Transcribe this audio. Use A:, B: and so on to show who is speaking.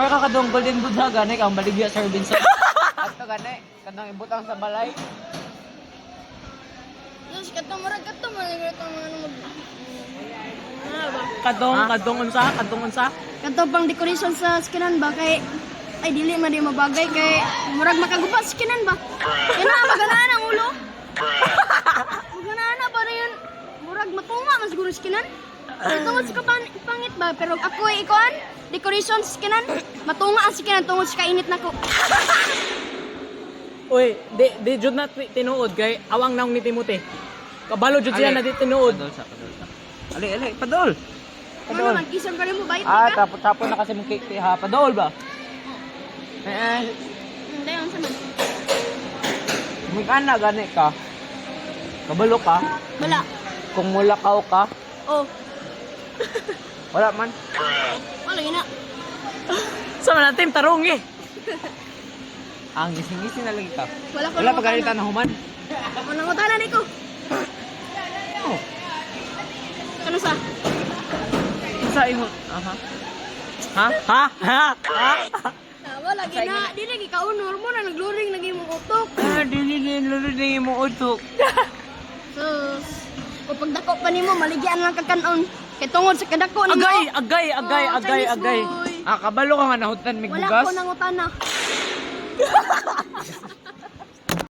A: Kaya kakadong golden buddha gani kang baligya Sir Vincent. Ato gani kanang ibutang sa balay.
B: Yes, katong murag katong mga ano ba?
A: Kadong unsa?
B: Katong pang decoration sa skinan ba kay ay dili man di mabagay kay murag makagupa sa skinan ba? Kaya na maganaan ang ulo. Maganaan na ba na yun? Murag matunga man siguro sa skinan. Tungod sa pangit ba pero ako ay ikuan decoration sa skinan matunga ang skinan tungod sa kainit nako.
C: Uy, di jud na tinuod kay awang naong ni Timothy. Kabalo jud siya na di tinuod.
A: Padol sa. Ali, padol.
B: Ano naman kisam ka rin mo bayit ka?
A: Tapos na kasi mong cake ha, padol ba?
B: Hindi ang saman.
A: Magkana gani ka? Kabalo ka?
B: Wala.
A: Kung mulakaw ka?
B: Oh,
A: Wala man.
B: wala yun na.
C: Sa man natin tarong eh.
A: Ang gising-gising na lagi ka.
B: Wala ko
A: Wala pa ganito na human.
B: Walang utana ni ko.
A: Oh.
B: Ano sa?
A: Sa ingon. Aha.
C: Ha?
B: Wala gina. Di lagi kaunor mo na nagluring lagi mong utok.
A: Dili mo utok.
B: Sus. O pagdako pa nimo maligyan lang kakanon. Kay tungod sa kadako nimo.
C: Agay.
B: Chinese boy.
A: Kabalo ka nga nahutan mig
B: Wala
A: bugas.
B: ko nang utana.